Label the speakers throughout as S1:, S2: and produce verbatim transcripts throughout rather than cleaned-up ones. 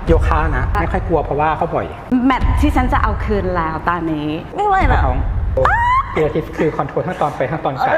S1: โยคะนะไม่ค่อยกลัวเพราะว่าเขาบ่อย
S2: แมทที่ฉันจะเอาคืนแล้วตอนนี้ไม่ไหวแล้ว
S1: ของเปียทิสคือคอนโทรลทั้งตอนไปทั้งตอนกลับ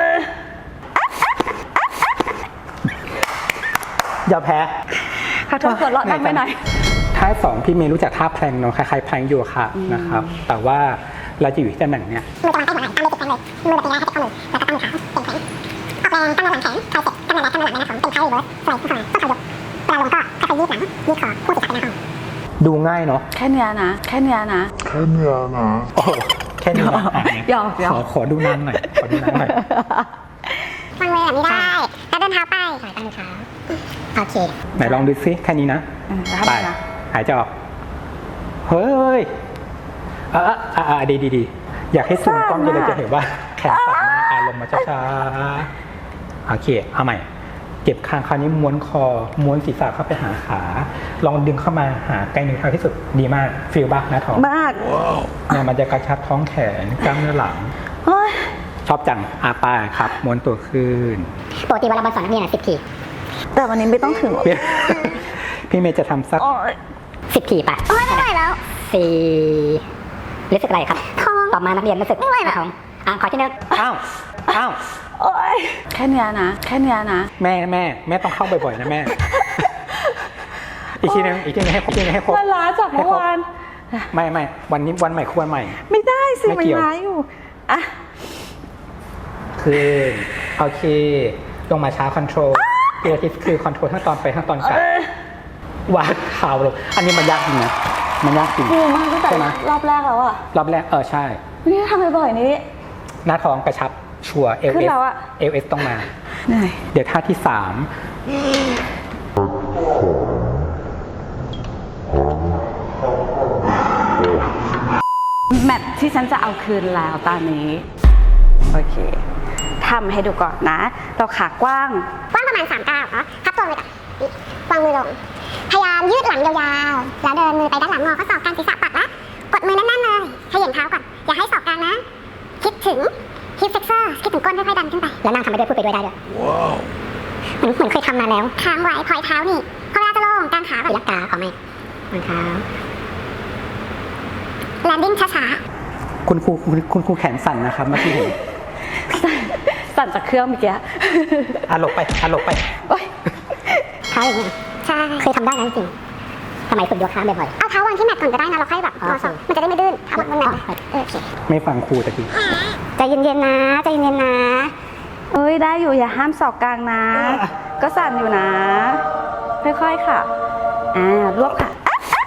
S1: อย่าแพ้
S2: ขอโทษกดเลาะดังไปหน่อย
S1: ท่าสองพี่เมย์รู้จักท่าแพลงเนาะคล้ายๆแพลงโยคะนะครับแต่ว่าเราจะอยู่ที่ตำแหน่งเนี้ยมือตะวันใต้หัวไหล่ตามเลยติดแพลงเลยมือแบบนี้ให้ติดข้อมือแล้วก็ตั้งขาเก่งแข็งออกแรงตั้งมือหลังแข็งคลายเสร็จตั้งมือแล้วตั้งมือหลังนะครับเป็นไพ่เวิร์สสวยสวยต้องขยกเวลาลงก็ค่อยๆยืดหลังยืดคอพูดติดกันนะครับดูง่ายเนาะ
S2: แค่เนี้ยนะแค่เนี้ยนะ
S3: แค่เนี้ยนะ
S1: โอ้แค่นี้นะ
S2: ยอมยอม
S1: ขอขอดูนานหน่อยขอดูนานหน่อยว
S4: างมือแบบนี้ได้แล้วเดินเท้าไปถอยตั้งมือเท้าโอเค
S1: ไหนลองดูซิแค่นี้นะไปหายใจออกเฮ้ยอ่ะอ่ะอ่ะดีดีดีอยากให้ซูมกล้องจะเลยจะเห็นว่าแขนสั่นมากอ่ะลงมาช้าๆโอเคเอาใหม่เก็บคางคราวนี้ม้วนคอม้วนศีรษะเข้าไปหาขาลองดึงเข้ามาหาไกลหนึ่งทางที่สุดดีมากฟีลบ้างนะท้อง
S2: มาก
S1: เนี่ยมันจะกระชับท้องแขนกล้ามเนื้อหลังชอบจังอาปาครับม้วนตัวขึ้น
S4: ปกติเวลาบอลสอนนักเรียนอ่ะสิบที
S2: แต่วันนี้ไม่ต้องถึง
S1: พี่เมย์จะทำสัก
S4: สิบทีป่ะไม่ไหวแล้วสี่รู้สึกอะไรครับตอบมานักเรียนรู้สึกไม่ไหวแล้วอ่ะขอที่นึง
S1: อ้าวอ้าว
S2: แค่เนี้ยนะแค่เนี้ยนะ
S1: แม่แม่แม่ต้องเข้าบ่อยๆนะแม่อีกทีนึงอีกทีนึงให้ครบอีกทีนึงให้ครบ
S2: มันล้าจากเมื่อวาน
S1: ไม่ไม่วันนี้วันใหม่ควรใหม่
S2: ไม่ได้สิมันล้าอยู่อ่ะ
S1: คือโอเคลงมาช้าคอนโทรลเปียทิสคือคอนโทรลทั้งตอนไปทั้งตอนกลับวางเท้าลงอันนี้มันยากจริงนะมันยากจริง
S2: มากตั้งแต่รอบแรกแล้วอะ
S1: รอบแรกเออใช่
S2: นี่ทำบ่อยๆนี้
S1: หน้าท้องกระชับชัวร์เอลเอสเอลเอสต้องมาเดี๋ยวท่าที่สาม
S2: แมทที่ฉันจะเอาคืนแล้วตอนนี้โอเคทำให้ดูก่อนนะเราขากว้าง
S4: กว้างประมาณสามเก้าเนาะทับตัวมือก่อนวางมือลงพยายามยืดหลังยาวๆแล้วเดินมือไปด้านหลังงอข้อศอกกลางศีรษะปัดละกดมือแน่นๆเลยขยับเท้าก่อนอย่าให้ศอกกลางนะคิดถึงฮิปเฟกเซอร์คิดถึงก้นค่อยๆดันขึ้นไปแล้วนั่งทำไปด้วยพูดไปด้วยได้ด้วยว้าวเหมือนเหมือนเคยทำมาแล้วค้างไว้พอยเท้านี่พอเวลาจะลงกางขาแบบยักกาขอไม่วางเท้าแลนดิ้งช้า
S1: ๆคุณครูคุณครูแขนสั่นนะครับเมื่อกี้เห็น
S2: สั่นจากเครื่องเมื่อกี้
S1: อ่ะหลบไปอ่ะหลบไป
S4: เท้าอย่างนี้ใช่เคยทำได้นะจริงสมัยฝึกโยคะบ่อยๆเอาเท้าวางที่แมทก่อนก็ได้นะเราค่อยแบบงอศอกมันจะได้ไม่ดื้นเอาบนแมทโอเค
S1: ไม่ฟังครูตะกี้
S4: ใจเย็นๆนะใจเย็นๆนะ
S2: เอ้ยได้อยู่อย่าห้ามศอกกลางนะก็สั่นอยู่นะค่อยๆค่ะอ่ารวบค่ะ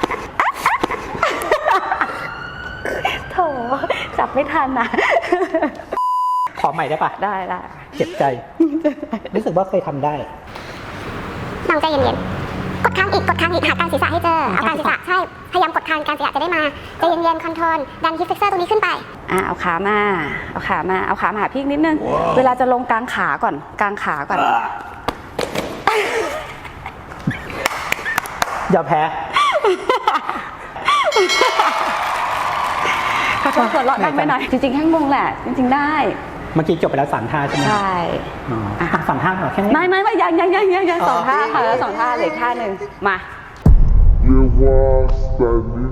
S2: โถจับไม่ทันนะ
S1: ขอใหม่ได้ปะ
S2: ได้ได้
S1: เจ็บใจรู้สึกว่าเคยทำได้
S4: ลองใจเย็นๆกดค้างอีกกดค้างอีกหากลางศีรษะให้เจอเอากลางศีรษะใช่พยายามกดค้างกลางศีรษะจะได้มาใจเย็นๆคอนโทรลดันฮิปเฟกเซอร์ตรงนี้ขึ้นไป
S2: อ่ะเอาขามาเอาขามาเอาขามาหาพี่นิดนึงเวลาจะลงกลางขาก่อนกลางขาก่อน
S1: อย่าแพ้
S2: ขอโทษกดเลาะดังไปหน่อยจริงๆแค่งงแหละจริงๆได้
S1: เมื่อกี้จบไปแล้วสามท่าใช่ไหม
S2: ใช่
S1: สามท่าเหรอแค่นี้
S2: ไม่ไม่ไม่ยังยังยังยังยังสองท่าค่ะแล้วสองท่าเหลือท่าหนึ่งมา
S3: เรียกว่า standing